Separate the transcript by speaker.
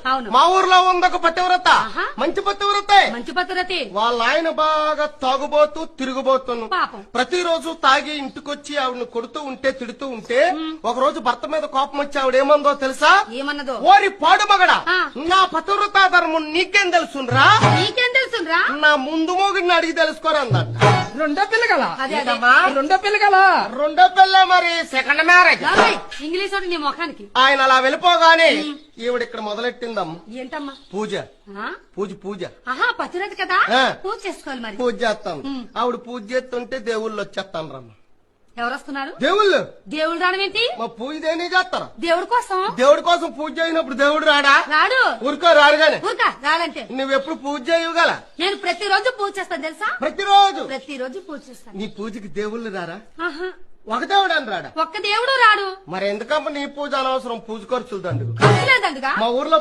Speaker 1: అవును.
Speaker 2: మా ఊర్లో ఉంది ఒక పతివ్రత,
Speaker 1: ఆహా.
Speaker 2: మంచి పతివ్రత.
Speaker 1: మంచి పద్ధతి.
Speaker 2: వాళ్ళ ఆయన బాగా తాగుబోతూ తిరుగుబోతును.
Speaker 1: పాపం.
Speaker 2: ప్రతిరోజు తాగి ఇంటికొచ్చి ఆవిడని కొడుతూ ఉంటే తిడుతూ ఉంటే ఒక రోజు భర్త మీద కోపం వచ్చి ఆవిడ ఏమందో తెలుసా?
Speaker 1: ఏమన్నదో?
Speaker 2: ఓరి పాడు మగడా,
Speaker 1: ఆ.
Speaker 2: నా పతివ్రత ధర్మం నీకేం తెలుసురా?
Speaker 1: నీకేం తెలుసురా?
Speaker 2: నా ముందు మోగిని అడిగి తెలుసుకోరన్నట్ట.
Speaker 3: రెండో పిల్లగల
Speaker 1: అదే అదే.
Speaker 2: ఏంటమ్మా?
Speaker 3: రెండో పిల్లగల
Speaker 2: రెండో పిల్ల మరి సెకండ్ మ్యారేజ్.
Speaker 1: రాబోయ్, ఇంగ్లీష్ ఒకటి నీ ముఖానికి.
Speaker 2: ఆయన అలా వెళ్ళిపోగానే ఈవిడ ఇక్కడ మొదలెట్టిందమ్మ
Speaker 1: ఏంటమ్మా?
Speaker 2: పూజ.
Speaker 1: ఆ?
Speaker 2: పూజ
Speaker 1: ఆహా, పతిరథి కదా,
Speaker 2: ఆ.
Speaker 1: పూజ చేసుకోవాలి మరి.
Speaker 2: పూజ చేస్తాను. ఆవిడ పూజ చేస్తుంటే దేవుళ్ళు వచ్చేస్తాను రమ్మ.
Speaker 1: ఎవరు వస్తున్నారు?
Speaker 2: దేవుళ్ళు
Speaker 1: దేవుడు రావడం ఏంటి?
Speaker 2: మా పూజ దేని చేస్తారా?
Speaker 1: దేవుడి కోసం
Speaker 2: దేవుడి కోసం పూజ చేయనప్పుడు దేవుడు రాడా?
Speaker 1: రాడు.
Speaker 2: ఊరుకో రాడుగానే.
Speaker 1: ఊరుకా రాలంటే.
Speaker 2: నువ్వెప్పుడు పూజ చేయగల?
Speaker 1: నేను ప్రతిరోజు పూజ చేస్తాను తెలుసా?
Speaker 2: ప్రతిరోజు
Speaker 1: ప్రతిరోజు పూజ చేస్తాను.
Speaker 2: నీ పూజకి దేవుళ్ళు రారా?
Speaker 1: ఆహా,
Speaker 2: ఒక దేవుడు అని రాడా?
Speaker 1: ఒక్క దేవుడు రాడు.
Speaker 2: మరి ఎందుకమ్మ నీ పూజ అనవసరం, పూజ ఖర్చులు దండుకు.
Speaker 1: ఖర్చు లేదండుగా.
Speaker 2: మా ఊర్లో